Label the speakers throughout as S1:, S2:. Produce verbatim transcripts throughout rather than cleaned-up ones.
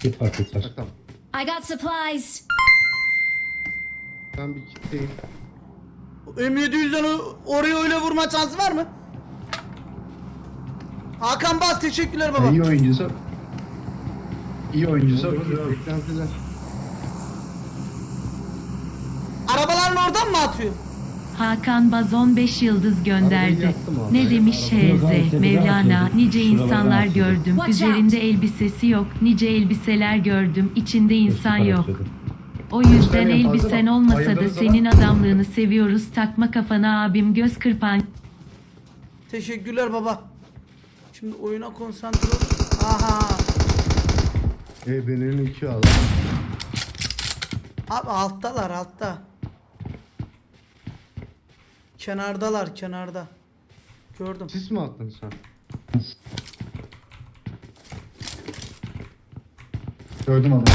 S1: Git var git var.
S2: Ha, tamam.
S3: I got supplies.
S2: Ben bir kitleyim.
S4: M yedi yüzden oraya öyle vurma şansı var mı? Hakan Bas teşekkürler baba.
S1: İyi oyuncusu. İyi oyuncusu.
S2: Beklentiler.
S4: Arabaların oradan mı atıyor?
S5: Hakan Baz on beş yıldız
S2: Arabayı
S5: gönderdi.
S2: yaktım abi.
S5: Ne demiş
S1: Arabayı
S5: H
S1: yaktım.
S5: Z Mevlana, nice
S1: Şuralardan
S5: insanlar
S1: atıyordum.
S5: gördüm.
S3: Watch
S5: Üzerinde elbisesi yok, nice elbiseler gördüm. İçinde insan yok. O yüzden
S1: Göstereyim, fazla
S5: elbisen
S1: bak.
S5: olmasa da
S1: Ayırdığınız
S5: senin
S1: zaman-
S5: adamlığını seviyoruz. Takma kafana abim göz kırpan.
S4: Teşekkürler baba. Şimdi oyuna konsantre ol. Aha.
S2: E benim iki aldı.
S4: Abi alttalar altta. Kenardalar kenarda. Gördüm.
S2: Sis mi attın sen?
S1: Gördüm adamı.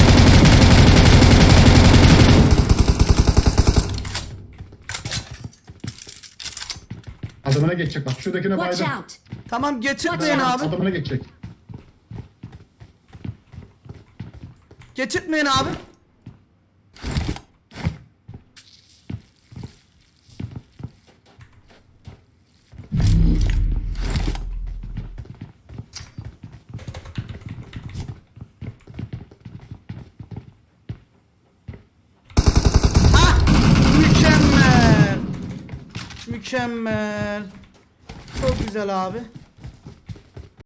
S1: Adamına geçecek bak. Şuradakine
S3: Watch
S1: baydım.
S3: out.
S4: Tamam geçirtmeyin
S3: Watch
S4: abi.
S1: Adamına geçecek.
S4: Geçirtmeyin abi. Ha! Mükemmel. Mükemmel. Çok güzel abi.